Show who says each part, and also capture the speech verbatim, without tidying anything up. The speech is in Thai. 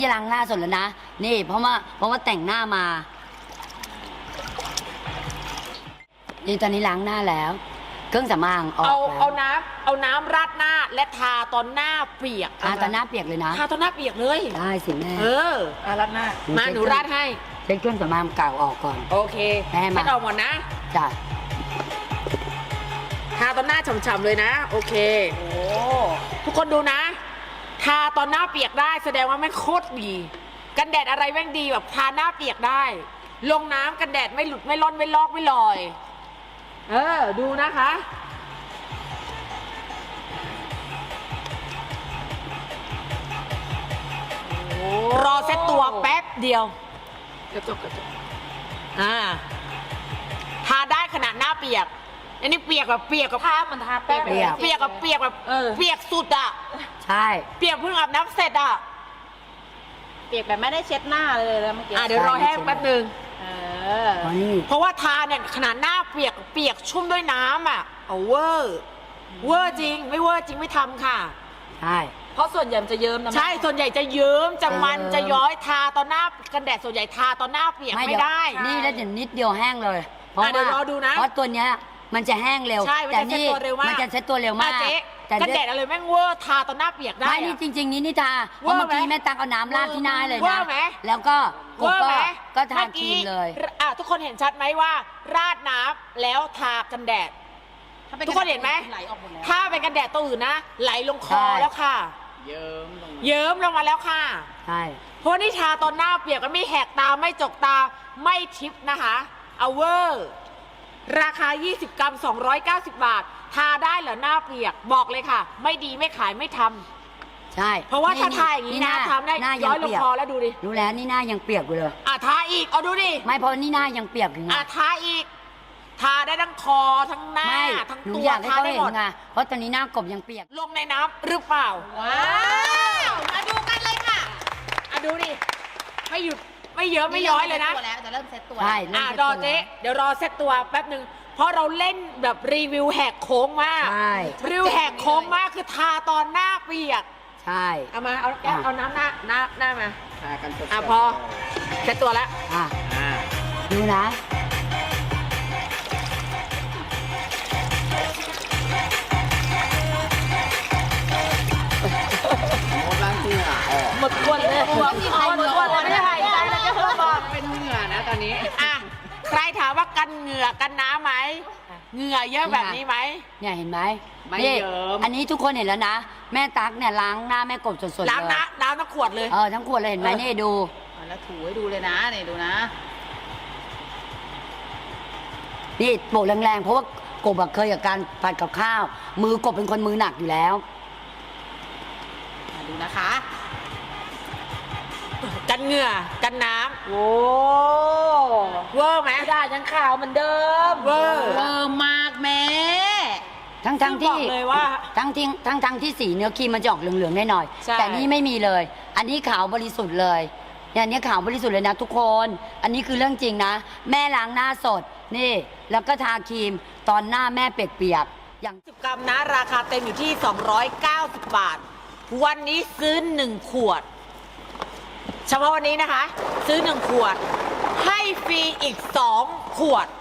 Speaker 1: ที่ล้างหน้าสดแล้วนะนี่เพราะว่าเพราะว่าแต่งหน้ามานี่ตอนนี้ล้างหน้าแล้วเครื่องสำอางออก
Speaker 2: เอา
Speaker 1: แล้ว
Speaker 2: เอาน้ำเอาน้ำราดหน้าและทาตอนหน้าเปียก
Speaker 1: ทาตอนหน้าเปียกเลยนะ
Speaker 2: ทาตอนหน้าเปียกเลย
Speaker 1: ได้สิแม่
Speaker 2: เอออาราดหน้ามาหนูราดให้
Speaker 1: เช็ดเครื่องสำอางเก่าออกก่อน
Speaker 2: โอเค
Speaker 1: แม่มา
Speaker 2: เช็ดออกหมดนะ
Speaker 1: จ้ะ
Speaker 2: ทาตอนหน้าฉ่ำๆเลยนะโอเคโอ้ทุกคนดูนะทาตอนหน้าเปียกได้แสดงว่าแม่งโคตรดีกันแดดอะไรแม่งดีแบบทาหน้าเปียกได้ลงน้ำกันแดดไม่หลุดไม่ร่อนไม่ลอกไม่ลอยเออดูนะคะรอเซ็ตตัวแป๊บเดียวกระจกกระจกอ่าทาได้ขนาดหน้าเปียกอันนี้เปียกแบบเปียกกับผ้ามันทาแป๊บเปียกเปียกกับเปียกแบบเปียกสุดอ่ะ
Speaker 1: ใช่
Speaker 2: เปียกเพิ่งอาบน้ำเสร็จอ่ะ
Speaker 3: เปียกแบบไม่ได้เช็ดหน้าเลยแล้วเมื่อกี้
Speaker 2: อ่าเดี๋ยวรอแห้งแป๊บนึง
Speaker 3: เออ
Speaker 2: เพราะว่าทาเนี่ยขนาดหน้าเปียกเปียกชุ่มด้วยน้ำอ่ะเอาเวอร์เวอร์จริงไม่เวอร์จริงไม่ทำค่ะ
Speaker 1: ใช่
Speaker 3: เพราะส่วนใหญ่มันจะเยิ้มนะ
Speaker 2: ใช่ส่วนใหญ่จะเยิ้มจะมันจะย้อยทาตอนหน้ากันแดดส่วนใหญ่ทาตอนหน้าเปียกไม่ได้
Speaker 1: นี่แล้วเดี๋ยวนิดเดียวแห้งเลยเพราะว่า
Speaker 2: รอดูนะ
Speaker 1: เพราะตัวเนี้ยมันจะแห้งเร็ว
Speaker 2: ใช่มันจะเซ็ตตัวเร็วมาก
Speaker 1: มันจะเซ็ตตัวเร็วมาก
Speaker 2: แต่กันแดดอะไรแม่งเวอร์ทาตอนหน้าเปียกได้
Speaker 1: ไม่นี่จริงๆนี่นี่ทาเพราะเมื่อกี้แม่ตังเอาน้ำราดที่หน้าเลยนะแล้วก็
Speaker 2: เวอร์ไหม
Speaker 1: ก็ทาครีมเลย
Speaker 2: อ่ะทุกคนเห็นชัดไหมว่าราดน้ำแล้วทากันแดดทุกคนเห็นไหมถ้าเป็นกันแดดตัวอื่นนะไหลลงคอแล้วค่ะ
Speaker 3: เยิ้มลง
Speaker 2: เยิ้มลงมาแล้วค่ะ
Speaker 1: ใช่
Speaker 2: เพราะนี่ทาตอนหน้าเปียกก็ไม่แหกตาไม่จกตาไม่ทิปนะคะเอาเวอร์ราคายี่สิบกรัมสองร้อยเก้าสิบบาททาได้เหรอหน้าเปียกบอกเลยค่ะไม่ดีไม่ขายไม่ทำ
Speaker 1: ใช่
Speaker 2: เพราะว่าถ้าทาอย่างนี้นะทำได้ย้อยลงคอแล้วดูดิ
Speaker 1: รู้แล้วนี่หน้ายังเปียกอยู่เลย
Speaker 2: อ่ะทาอีกเอาดูดิ
Speaker 1: ไม่เพราะนี่หน้ายังเปียกอยู่ไง
Speaker 2: อ่ะทาอีกทาได้ทั้งคอทั้งหน้าทั้งตัว
Speaker 1: ทาได้หมดไงเพราะตอนนี้หน้ากบยังเปียก
Speaker 2: ลงในน้ำหรือเปล่าว้าวมาดูกันเลยค่ะอ่ะดูดิไม่หยุดไม่เยอะไม่ย้อยเลยนะ
Speaker 3: จะเริ่มเซตตัว
Speaker 1: ใช่
Speaker 2: อ่ะรอเจ๊เดี๋ยวรอเซตตัวแป๊บหนึ่งเพราะเราเล่นแบบรีวิวแหกโค้งมากรีวิวแหกโค้งมากคือทาตอนหน้าเปียก
Speaker 1: ใช่
Speaker 2: เอามาเอาเอาน้ำหน้าหน้าหน้ามา
Speaker 3: ทากันสด
Speaker 2: อ่ะพอเซตตัวแล้ว
Speaker 1: อ่ะดูนะ
Speaker 2: หมดก้นเลยหมดก้นหมดก้นเลยไม่ได้หายใจเลยจะเพิ่มบอก
Speaker 3: เป็นเหงื่อนะตอนนี้
Speaker 2: อ่ะใครถามว่ากันเหงื่อกันน้ำไหมเหงื่อเยอะแบบนี้ไหม
Speaker 1: เนี่ยเห็นไหม
Speaker 3: ไม่เยอะ
Speaker 1: อันนี้ทุกคนเห็นแล้วนะแม่ตั๊กเนี่ยล้างหน้าแม่กบสดๆเลย
Speaker 2: ล้างน้ำล้างทั้งขวดเลย
Speaker 1: เออทั้งขวดเลยเห็นไหมนี่ดู
Speaker 3: แล้วถูให้ดูเลยนะนี่ดูนะ
Speaker 1: นี่โปะแรงๆเพราะว่ากบเคยกับการผัดกับข้าวมือกบเป็นคนมือหนักอยู่แล้ว
Speaker 3: ดูนะคะ
Speaker 2: กันเหงื่อกันน้ำ
Speaker 3: โอ้
Speaker 2: เวอร์ไหม
Speaker 3: ได้ยังขาวเหมือนเดิม
Speaker 2: เวอร์
Speaker 3: เวอร์มากแม่
Speaker 1: ทั้งทั้งที่
Speaker 2: เลยว่า
Speaker 1: ทั้งที่ทั้งทั้งที่สีเนื้อครีมมันจะออกเหลืองๆหน่อยๆแต่นี่ไม่มีเลยอันนี้ขาวบริสุทธิ์เลยเนี่ยนี้ขาวบริสุทธิ์เลยนะทุกคนอันนี้คือเรื่องจริงนะแม่ล้างหน้าสดนี่แล้วก็ทาครีมตอนหน้าแม่เปียกๆ
Speaker 2: อย่างสิบกรัมนะราคาเต็มอยู่ที่สองร้อยเก้าสิบบาทวันนี้ซื้อหนึ่งขวดเฉพาะวันนี้นะคะซื้อหนึ่งขวดให้ฟรีอีกสองขวด